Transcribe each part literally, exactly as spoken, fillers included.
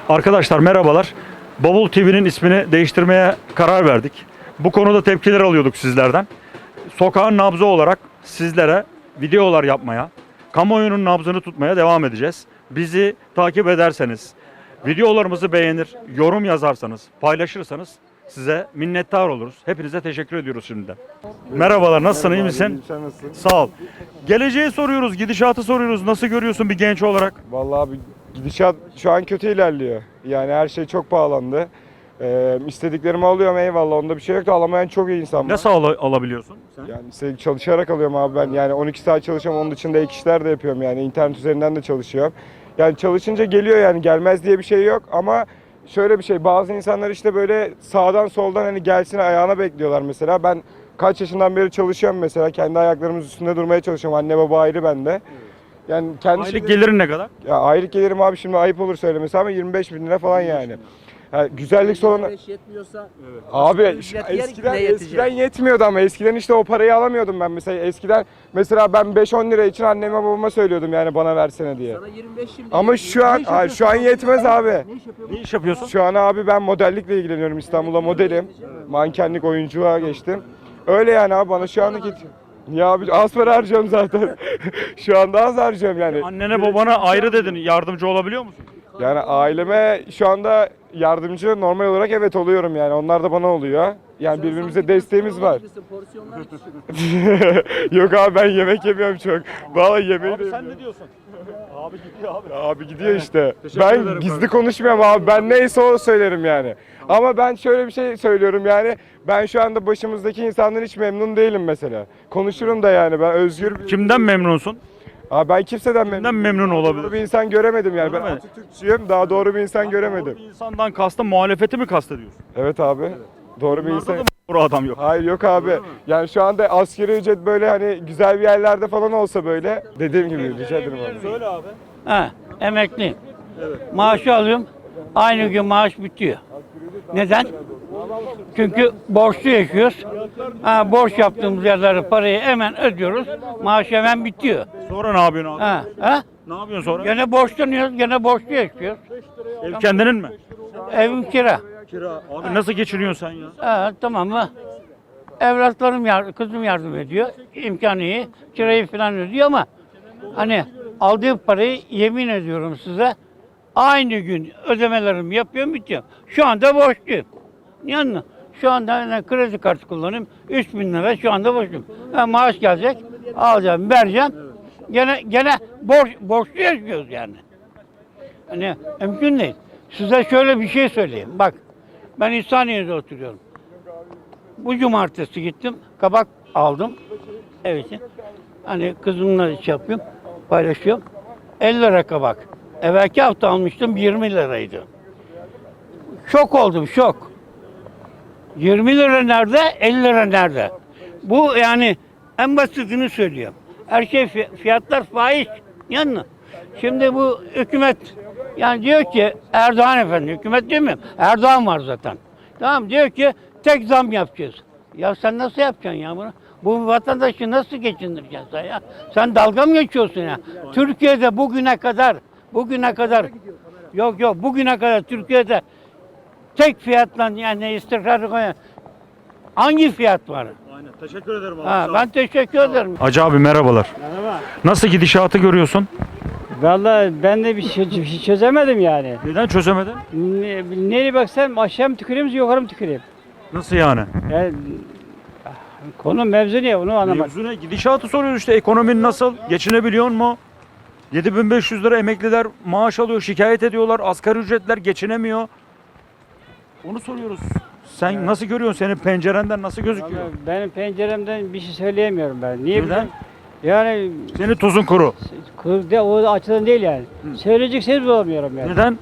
Arkadaşlar merhabalar. Bavul T V'nin ismini değiştirmeye karar verdik. Bu konuda tepkiler alıyorduk sizlerden. Sokağın nabzı olarak sizlere videolar yapmaya, kamuoyunun nabzını tutmaya devam edeceğiz. Bizi takip ederseniz, videolarımızı beğenir, yorum yazarsanız, paylaşırsanız size minnettar oluruz. Hepinize teşekkür ediyoruz şimdiden. Merhabalar, nasılsın, iyi misin? Sen nasılsın? Sağ ol. Geleceği soruyoruz, gidişatı soruyoruz. Nasıl görüyorsun bir genç olarak? Vallahi abi gidişat şu an kötü ilerliyor. Yani her şey çok pahalandı. Ee, istediklerimi alıyorum, eyvallah, onda bir şey yok da alamayan çok iyi insan var. Nasıl al- alabiliyorsun sen? Yani işte çalışarak alıyorum abi ben. Yani on iki saat çalışıyorum, onun dışında ek işler de yapıyorum yani. İnternet üzerinden de çalışıyorum. Yani çalışınca geliyor, yani gelmez diye bir şey yok ama şöyle bir şey, bazı insanlar işte böyle sağdan soldan hani gelsin ayağına bekliyorlar mesela. Ben kaç yaşından beri çalışıyorum mesela, kendi ayaklarımız üstünde durmaya çalışıyorum. Anne baba ayrı bende. Yani kendi Aylık şeyleri- gelirin ne kadar? Ya aylık gelirim abi, şimdi ayıp olur söylemesi ama yirmi beş bin lira falan yani. Yani güzellik salonu... yirmi beş yetmiyorsa Abi asgari şu- ücret yer eskiden, ne yetecek? eskiden yetmiyordu ama eskiden işte o parayı alamıyordum ben mesela. Eskiden mesela ben beş on lira için anneme babama söylüyordum yani bana versene diye. Sana yirmi beş şimdi. Ama şu an hayır, şu an yetmez abi. Ne iş yapıyorsun? Ne iş yapıyorsun? Şu an abi ben modellikle ilgileniyorum, İstanbul'da modelim. Mankenlik, oyunculuğa geçtim. Öyle yani abi, bana şu anlık yetiyor. Ya abi az para harcıyorum zaten. Şu anda az harcıyorum yani. Annene babana ayrı dedin. Yardımcı olabiliyor musun? Yani aileme şu anda yardımcı normal olarak evet oluyorum yani. Onlar da bana oluyor. Yani birbirimize desteğimiz var. Porsiyonlar küçük. Yok abi, ben yemek yemiyorum çok. Vallahi yemeği de Abi sen yemiyorum. ne diyorsun? Abi gidiyor abi. Abi gidiyor işte. Teşekkür Ben ederim gizli kardeşim. konuşmuyorum abi. Ben neyse o söylerim yani. Ama ben şöyle bir şey söylüyorum yani. Ben şu anda başımızdaki insandan hiç memnun değilim mesela. Konuşurum da yani, ben özgür bir... Kimden memnunsun? Abi ben kimseden memnun Kimden memnun Doğru bir olabilir? insan göremedim yani. Ben Doğru mu? Atatürkçüyüm. Daha doğru bir insan göremedim. Bir insandan kastın muhalefeti mi kastediyorsun? Evet abi. Doğru bir Bunlarda insan. da mı doğru adam yok? Hayır yok abi. Yani şu anda asgari ücret böyle hani güzel bir yerlerde falan olsa böyle. Dediğim gibi rica ederim abi. Söyle abi. Ha, emekliyim. Maaşı alıyorum. Aynı gün maaş bitiyor. Neden? Çünkü borçlu yaşıyoruz. Ha, borç yaptığımız yerlere parayı hemen ödüyoruz. Maaş hemen bitiyor. Sonra ne yapıyorsun abi? Ha, ha? Ne yapıyorsun sonra? Gene borçlanıyoruz, gene borçlu yaşıyoruz. Ev kendinin mi? Evim kira. Kira. Abi nasıl geçiniyorsun sen ya? Ha, tamam mı? Evlatlarım yardım, kızım yardım ediyor. İmkanı iyi. Kirayı falan ödüyor ama hani aldığı parayı yemin ediyorum size aynı gün ödemelerimi yapıyorum, bitiyor. Şu anda borçluyum. Yani şu anda hani kredi kartı kullanıyorum. üç bin lira şu anda borçluyum. Ha, maaş gelecek. Alacağım, vereceğim. Gene gene borç borçlu yaşıyoruz yani. Hani mümkün değil. Size şöyle bir şey söyleyeyim. Bak, ben İhsaniye'de oturuyorum. Bu cumartesi gittim, kabak aldım. Evet. Hani kızımla iş yapıyorum, paylaşıyorum. elli lira kabak. Evvelki hafta almıştım, yirmi liraydı. Şok oldum, şok. yirmi lira nerede, elli lira nerede? Bu yani en basitini söylüyorum. Her şey fi- fiyatlar faiz. Yani şimdi bu hükümet yani diyor ki Erdoğan efendi, hükümet demiyorum. Erdoğan var zaten. Tamam, diyor ki tek zam yapacağız. Ya sen nasıl yapacaksın ya bunu? Bu vatandaşı nasıl geçindireceksin sen ya? Sen dalga mı geçiyorsun ya? Türkiye'de bugüne kadar, bugüne kadar, yok yok bugüne kadar Türkiye'de tek fiyatla yani istikrarı koyan hangi fiyat var? Aynen. Teşekkür ederim abi. Ha, ben teşekkür ederim. Hacı abi merhabalar. Merhaba. Nasıl gidişatı görüyorsun? Vallahi ben de bir şey, bir şey çözemedim yani. Neden çözemedin? Ne, nereye baksam aşağı mı tüküreyim, yukarı mı tüküreyim? Nasıl yani? Yani, ah, konu mevzu ne onu anlamadım. Mevzu ne? Gidişatı soruyoruz işte. Ekonomin nasıl? Geçinebiliyor mu? yedi bin beş yüz lira emekliler maaş alıyor, şikayet ediyorlar. Asgari ücretler geçinemiyor. Onu soruyoruz. Sen nasıl görüyorsun? Senin pencerenden nasıl gözüküyor? Vallahi benim penceremden bir şey söyleyemiyorum ben. Niye Neden? bileyim? Yani Senin tuzun kuru. kırda o açıdan değil yani. Söyleyecek söz bulamıyorum yani. Neden?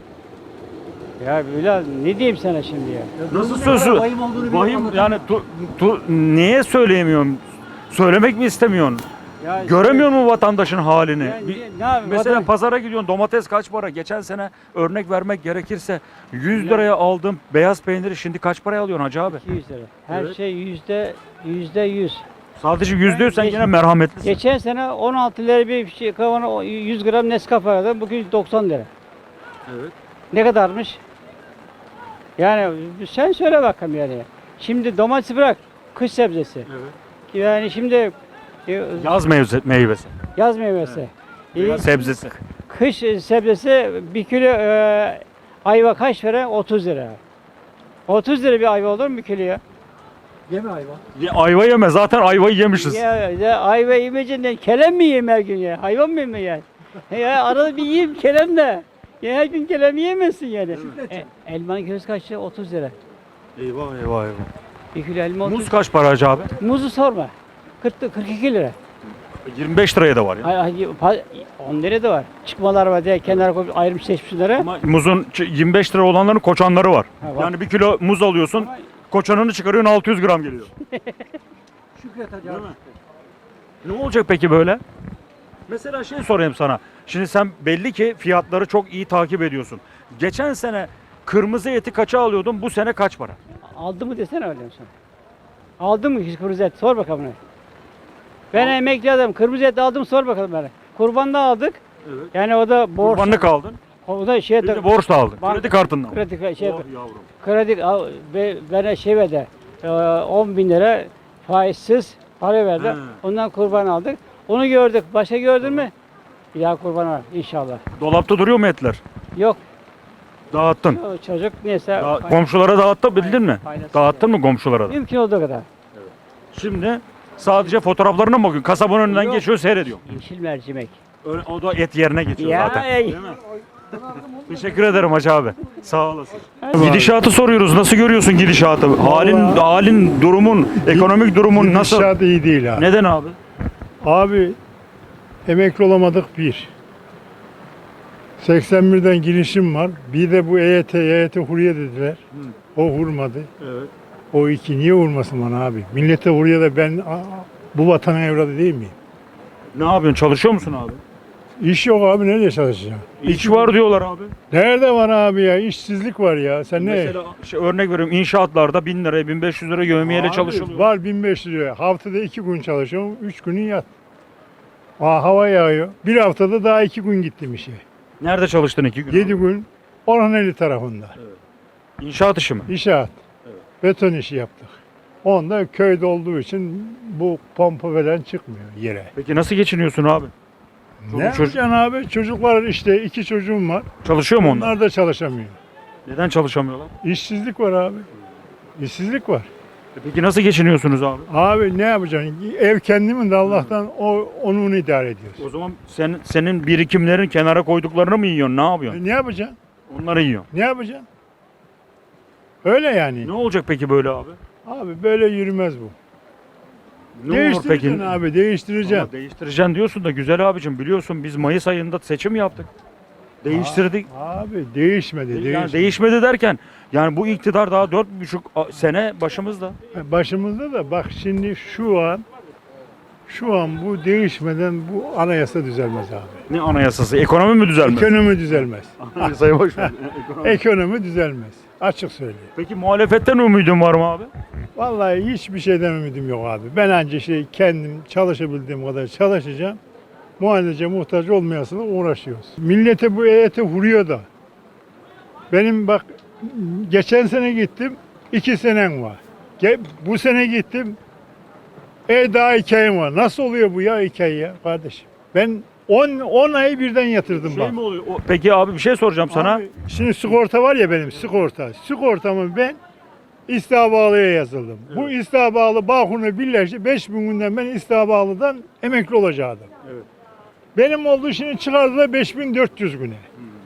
Ya Bilal ne diyeyim sana şimdi ya? Nasıl sözü? Vahim olduğunu biliyorum, Vahim anlatamam. yani tu, tu, niye söyleyemiyorsun? Söylemek mi istemiyorsun? Ya Göremiyor mu vatandaşın halini? Yani Bir- ne- ne yapayım? mesela Vatan- pazara gidiyorsun, domates kaç para? Geçen sene örnek vermek gerekirse yüz liraya aldığım beyaz peyniri şimdi kaç paraya alıyorsun hacı abi? iki yüz lira. Her Evet. şey yüzde yüzde yüz. Sadece yüzde yüz sen Geç- yine merhametlisin. Geçen sene on altı lira bir şey kavanoz yüz gram Nescafe aldım. Bugün doksan lira. Evet. Ne kadarmış? Yani sen söyle bakalım yani. Şimdi domates bırak, kış sebzesi. Evet. Yani şimdi e, Yaz meyvesi, meyvesi. yaz meyvesi. E, Veya sebzesi. Kış sebzesi bir kilo e, ayva kaç lira? otuz lira. otuz lira bir ayva olur mu bir kilo ya? Yeme ayva. Ya, ayva yeme. Zaten ayvayı yemişiz. Ya, ya ayva yemeyeceğinden kelem mi yiyeyim her gün ya? Hayvan mı yiyeyim ya? Ya arada bir yiyeyim kelem de. Ya her gün kelem yiyemezsin yani. E, elmanın kilosu kaç lira? otuz lira. Eyvah eyvah eyvah. Bir kilo elma otuz. Muz kaç para Hacı abi? Muzu sorma. kırk, kırk iki lira. yirmi beş liraya da var ya. Ay, ay, pa- on lira da var. Çıkmalar var diye kenara koyup ayrım seçmişler. Ama muzun ç- yirmi beş lira olanların koçanları var. Ha, var. Yani bir kilo muz alıyorsun, koçanını çıkarıyorsun altı yüz gram geliyor. Şükret hadi. Değil mi? Ne olacak peki böyle? Mesela şey sorayım sana. Şimdi sen belli ki fiyatları çok iyi takip ediyorsun. Geçen sene kırmızı eti kaça alıyordun? Bu sene kaç para? Aldı mı desene öyle sana. Aldı mı hiç kırmızı et? Sor bakalım bana. Ben emekli adamım. Kırmızı et aldım sor bakalım bana. Kurban da aldık. Evet. Yani o da borç. Kurbanlık aldın. O da şey Bir de borç da aldın. Banka- Kredi kartından. kredi şey Oh yavrum. kredi al- ve bana şey verdi. e, on bin lira faizsiz para verdi. He. Ondan kurban aldık. Onu gördük. Başka gördün mü? Bir daha kurban var inşallah. Dolapta duruyor mu etler? Yok. Dağıttın. O çocuk neyse. Da- pay- komşulara dağıttın bildin mi? Paylaşsın Dağıttın mı komşulara da? Mümkün olduğu kadar. Şimdi sadece fotoğraflarına mı bakıyorsun? Kasabın önünden Yok. geçiyor seyrediyor. Yeşil mercimek. Öyle- O da et yerine geçiyor Ya, zaten. ey. Değil mi? Teşekkür ederim Hacı abi. Sağ olasın. Gidişatı soruyoruz. Nasıl görüyorsun gidişatı? Halin, halin, durumun, ekonomik durumun nasıl? Gidişat iyi değil abi. Neden abi? Abi emekli olamadık bir. seksen birden girişim var. Bir de bu E Y T, E Y T hurriye dediler. O vurmadı. Evet. O iki niye vurmasın bana abi? Millete hurriye de ben aa, bu vatanın evladı değil miyim? Ne yapıyorsun? Çalışıyor musun abi? İş yok abi, nerede çalışacağım? İş var diyorlar abi. Nerede var abi ya? İşsizlik var ya. Sen ne? Mesela şey, örnek veriyorum inşaatlarda bin liraya bin beş yüz lira yövmiyeyle Abi, çalışılıyor. Var bin beş yüz lira. Haftada iki gün çalışıyorum. Üç günün yat. Aa, hava yağıyor. Bir haftada daha iki gün gittim işe. Nerede çalıştın iki gün? Yedi gün Orhaneli tarafında. İnşaat işi mi? İnşaat. Beton işi yaptık. Onda köyde olduğu için bu pompa falan çıkmıyor yere. Peki nasıl geçiniyorsun abi? Çoluk Ne çocuk- yapacaksın abi? Çocuklar işte iki çocuğum var. Çalışıyor mu onlar? Onlar da çalışamıyor. Neden çalışamıyorlar? İşsizlik var abi. İşsizlik var. E Peki nasıl geçiniyorsunuz abi? Abi ne yapacaksın? Ev kendimin de Allah'tan o onu idare ediyoruz. O zaman sen, senin birikimlerin kenara koyduklarını mı yiyorsun? Ne yapıyorsun? E, ne yapacaksın? Onları yiyorsun. Ne yapacaksın? Öyle yani. Ne olacak peki böyle abi? Abi böyle yürümez bu. Ne olur Değiştireceksin peki? abi, değiştireceksin. Ama değiştireceksin diyorsun da güzel abicim biliyorsun biz Mayıs ayında seçim yaptık. Değiştirdik. Abi değişmedi, Yani değişmedi. değişmedi derken yani bu iktidar daha dört buçuk a- sene başımızda. Başımızda da bak şimdi şu an şu an bu değişmeden bu anayasa düzelmez abi. Ne anayasası? Ekonomi mi düzelmez? Ekonomi düzelmez. Anayasayı boş ver. Ekonomi. Ekonomi düzelmez. Açık söyleyeyim. Peki muhalefetten umudun var mı abi? Vallahi hiçbir şeyden ümidim yok abi. Ben anca şey kendim çalışabildiğim kadar çalışacağım. Muhalece muhtaç olmayasına uğraşıyoruz. Millete bu E Y T vuruyor da. Benim bak geçen sene gittim, iki senem var. Ge- Bu sene gittim, e daha iki ayım var. Nasıl oluyor bu ya iki ay ya kardeşim? Ben on on ayı birden yatırdım Şey bak. mi oluyor? O- Peki abi bir şey soracağım sana. Abi, şimdi sigorta var ya benim sigorta. Sigortamı ben İstihdamlı'ya yazıldım. Bu İstihdamlı Bağkur'la birleşti. beş bin günden ben İstihdamlı'dan emekli olacaktım. Evet. Benim olduğu şimdi çıkardılar beş bin dört yüz güne.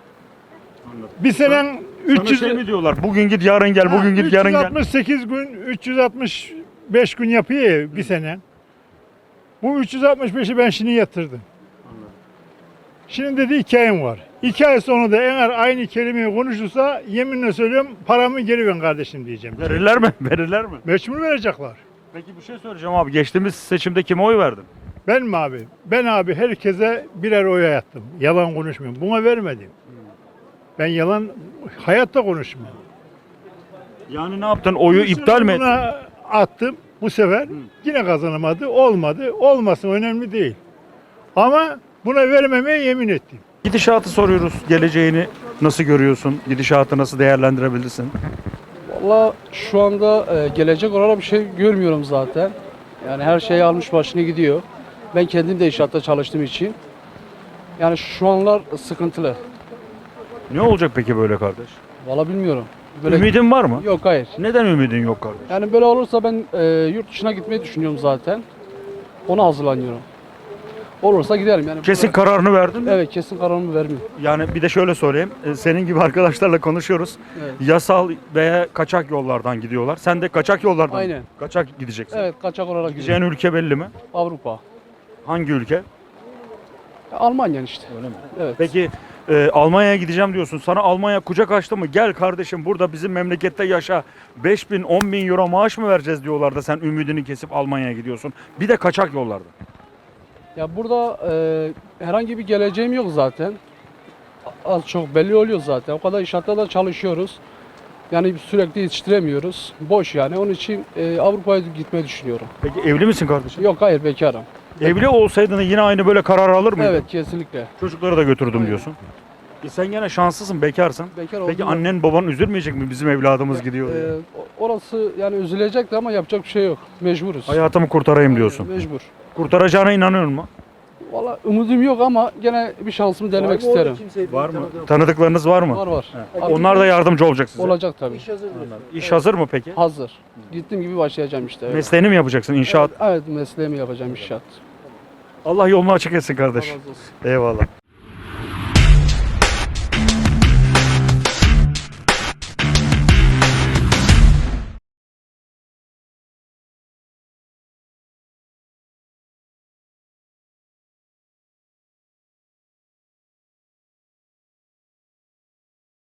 Bir senen üç yüz Sana şey mi diyorlar? Bugün git yarın gel, bugün git yarın gel. üç yüz altmış sekiz gün, üç yüz altmış beş gün yapıyor ya bir sene. Bu üç yüz altmış beşi ben şimdi yatırdım. Şimdi dedi iki ayım var. İki ay sonra da eğer aynı kelimeyi konuşursa yeminle söylüyorum paramı geri ver kardeşim diyeceğim. Verirler mi? Verirler mi? Mecbur verecekler. Peki bir şey söyleyeceğim abi. Geçtiğimiz seçimde kime oy verdin? Ben mi abi? Ben abi herkese birer oya yattım. Yalan konuşmuyorum. Buna vermedim. Ben yalan hayatta konuşmuyorum. Yani ne yaptın? Oyu Bu iptal sefer mi ettin? Buna attım bu sefer. Yine kazanamadı. Olmadı. Olmasın önemli değil. Ama buna vermemeye yemin ettim. Gidişatı soruyoruz. Geleceğini nasıl görüyorsun? Gidişatı nasıl değerlendirebilirsin? Valla şu anda e, gelecek olarak bir şey görmüyorum zaten. Yani her şey almış başını gidiyor. Ben kendim de inşaatta çalıştığım için. Yani şu anlar sıkıntılı. Ne olacak peki böyle kardeş? Valla bilmiyorum. Böyle... Ümidin var mı? Yok, hayır. Neden ümidin yok kardeş? Yani böyle olursa ben e, yurt dışına gitmeyi düşünüyorum zaten. Ona hazırlanıyorum. Olursa giderim yani. Kesin kararını verdin mi? Evet, kesin kararımı vermiyorum. Yani bir de şöyle sorayım. E, Senin gibi arkadaşlarla konuşuyoruz. Evet. Yasal veya kaçak yollardan gidiyorlar. Sen de kaçak yollardan Aynen. kaçak gideceksin. Evet, kaçak olarak Gideceğin gidiyorum. ülke belli mi? Avrupa. Hangi ülke? Ya, Almanya işte. Öyle mi? Evet. Peki e, Almanya'ya gideceğim diyorsun. Sana Almanya kucak açtı mı? Gel kardeşim burada bizim memlekette yaşa. beş bin on bin euro maaş mı vereceğiz diyorlar da sen ümidini kesip Almanya'ya gidiyorsun. Bir de kaçak yollarda. Ya burada e, herhangi bir geleceğim yok zaten. Az çok belli oluyor zaten. O kadar inşaatta da çalışıyoruz. Yani sürekli yetiştiremiyoruz. Boş yani. Onun için e, Avrupa'ya gitmeyi düşünüyorum. Peki evli misin kardeşim? Yok, hayır, bekarım. Evli olsaydın yine aynı böyle karar alır mıydın? Evet, kesinlikle. Çocukları da götürdüm Aynen. diyorsun. E sen gene şanslısın, bekarsın. Bekar Peki oldum. annen baban üzülmeyecek mi bizim evladımız gidiyor diye? E, orası yani üzülecekti ama yapacak bir şey yok. Mecburuz. Hayatımı kurtarayım diyorsun. Mecbur. Kurtaracağına inanıyor musun? Valla umudum yok ama gene bir şansımı denemek isterim. Var mı? Tanıdıklarınız var mı? Var var. Onlar da yardımcı olacak size. Olacak tabii. İş hazır mı peki? Hazır. Gittiğim gibi başlayacağım işte. Evet. Mesleğini mi yapacaksın? İnşaat. Evet, mesleğimi yapacağım inşaat. Allah yolunu açık etsin kardeş. Allah razı olsun. Eyvallah.